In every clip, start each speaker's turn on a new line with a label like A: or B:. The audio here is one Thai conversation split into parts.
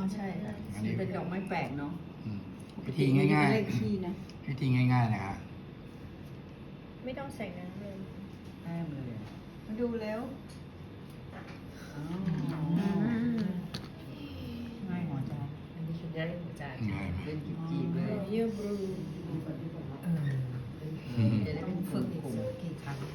A: ใช่ค่ะ
B: อันนี้
A: เป็นดอกไม้แปลกเนาะ
B: วิธีง่าย
A: เลขที่นะ
B: ๆวิธีง่ายๆนะครับ
C: ไม่ต้องใส่น้ำเลย
A: แต้มเลยอะมาดูแล้วอ๋อง่ายหัวใจ
D: อันนี้คือได้หัวใจ
B: ง่ายไหม
A: เป็นจีบๆเลย
C: เยื่อบลู
A: จะได้เป็นฝึกผมกี่ครั้ง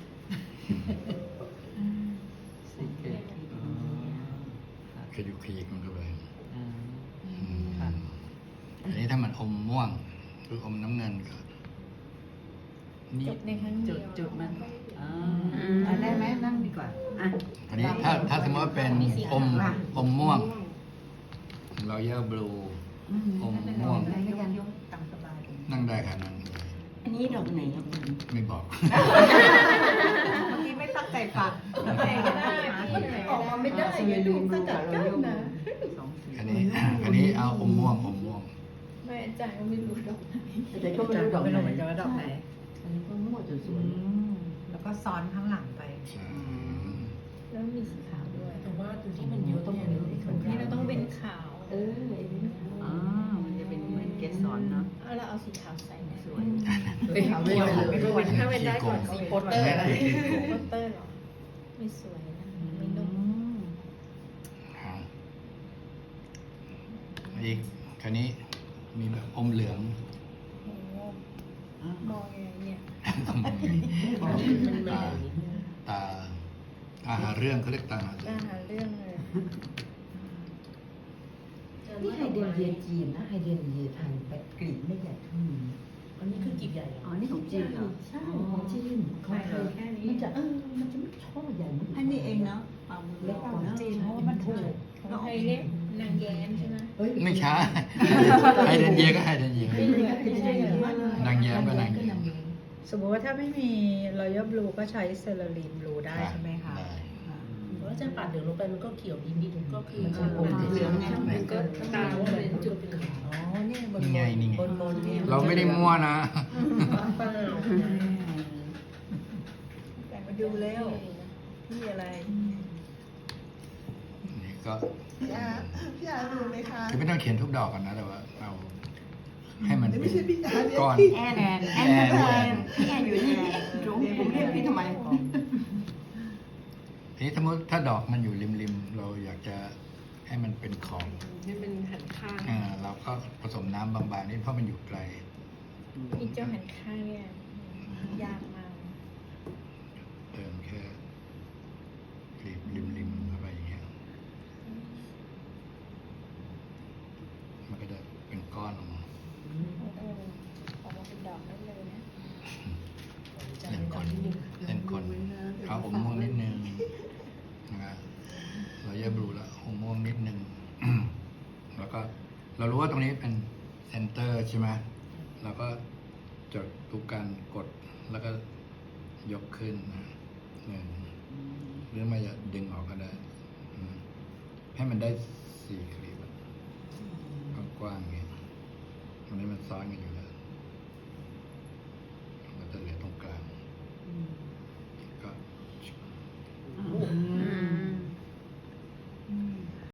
A: สิเกตที่ตรงนี้
B: ขยุกขยิกมันเข้าไป
A: อ่า
B: อืมอันนี้ถ้ามันอมม่วงหรืออมน้ำเงินก็นี่
C: จบในครั้งเดี
A: จุ
C: ย
A: ด
C: ว
A: จุดมันได้ไหมนั่งดีกว่าอ่ะ
B: อันนี้ถ้าสมมติว่าเป็นอมม่วงเราเยอร์บลูอมม่วง
A: ได้ก็ยังยกตามสบาย
B: นั่งได้ค่ะนั่งได้
A: อันนี้ดอกไหนครับคุณ
B: ไม่บอก
A: เมื่อกี้ไม่ตั้งใจฟัง
C: ไหนก็ได้ที่ไหน
A: อ
C: ก็
A: อก
C: ได้
A: มาไม่ได้ไงดูสกัดกั้นนะสองสี
B: อันนี้เอาอมม่วง
C: ไม่อาจารย์ก็ไม่รู้ดอกไหน
A: แต่ก็ไม่รู้ดอกไหน
D: เหมือนกันว่าดอกไหน
A: อันนี้ก็มั่วจนสวย
D: แล้วก็ซ้อนข้างหลังไป
B: ใช่
C: แล้วมีสีขาวด้วย
D: แต่ว่าตัวที่มันเยอะต้องเป็น
C: นี่เราต้องเป็นขาว
A: อ๋อมันจะเป็นเหมือนเกสรเนาะ
C: เอาเราเอาสีขาวใส่ไหน
A: สวย
D: ขาวไม่ได้ไม่รู้ว่าถ้าเป็นได้ก่อนสีโปสเตอร์อะไร
C: โปสเตอร์เหรอไม่สวยนะไม่นุ่ม
B: อีกคราวนี้มีแบบอมเหลือง
C: โอ้โหมองยังไงเนี่ย
B: ตาหาเรื่องเขาเรียกตาหาเรื่
C: น่า
B: อง
C: หาเรื่องเลย
A: นี่ไฮเดรนเยียจีนนะไฮเดรนเยียไทยแต่กลีบไม่ใหญ่เท่านี้
D: อันนี้คือกีบใหญ่
A: อ๋อนี่ของจีนเหรอใช่ของจีนของไทยแค่นี้มันจะมันจะไม่ช่อใหญ่อันนี้เองเนาะเอามือเล็กกว่าจีนเพราะว่ามันถูก
C: ของไทยเนี่ยนางแย้มใช่ไหม
B: ไม่ใช่ไฮเดนเยียก็ไฮเดนเยียนางแย้มก็นางแย้ม
D: สมมติว่าถ้าไม่มีรอยัลบลูก็ใช้เซราลีนบลูได้ใช่ไหมคะ
B: ได้
E: เพราะว่าจะปัดเหลืองลงไปมันก็เขียวนิดๆก็คือ
A: มันจะอมเหลืองไงมันก็
E: ตาเป็นจุดเป็นขาว
D: อ๋อเนี่ยบน
B: นี่ไงนี่ไง
D: บนเนี่ย
B: เราไม่ได้มั่วนะ
E: เปล่า
D: แต่มาดูแล้วพี่อะไร
B: นี่ก็
F: พี่อาดูไหมคะ
B: คือไม่ต้องเขียนทุกดอกกันนะ แต่ว่าเราให้มันเป็น
F: ไม่ใช่พี่อาเรียก
B: ก้อน
F: พี่
A: แอนพี่แอนอยู่นี่จุ๊บผมเรียกพี่ทำไม
B: ทีนี้สมมติถ้าดอกมันอยู่ริมๆเราอยากจะให้มันเป็นขอบ
E: นี่เป็นหันข้าง
B: เราก็ผสมน้ำบางๆนี่เพราะมันอยู่ไกล
C: อีเจ้าหันข้างเนี่ยยากมาก
B: เติมแค่ริมๆเข้าไปอย่างเงี้ยมันก็จะเป็นก้อนออกมา
C: ออกมาเป็นดอกได้เลยนะ
B: เล่นคนเล่นคนเอาอมม่วงนิดนึงนะครับเราแยกบลูแล้วอมม่วงนิดนึง แล้วก็เรารู้ว่าตรงนี้เป็นเซนเตอร์ใช่ไหมเราก็จดทุกการกดแล้วก็ยกขึ้นนะหรือไม่จะดึงออกก็ได้ให้มันได้4 คลิปกว้างๆอย่างเงี้ยตรงนี้มันซ้อนกันอยู่แล้ว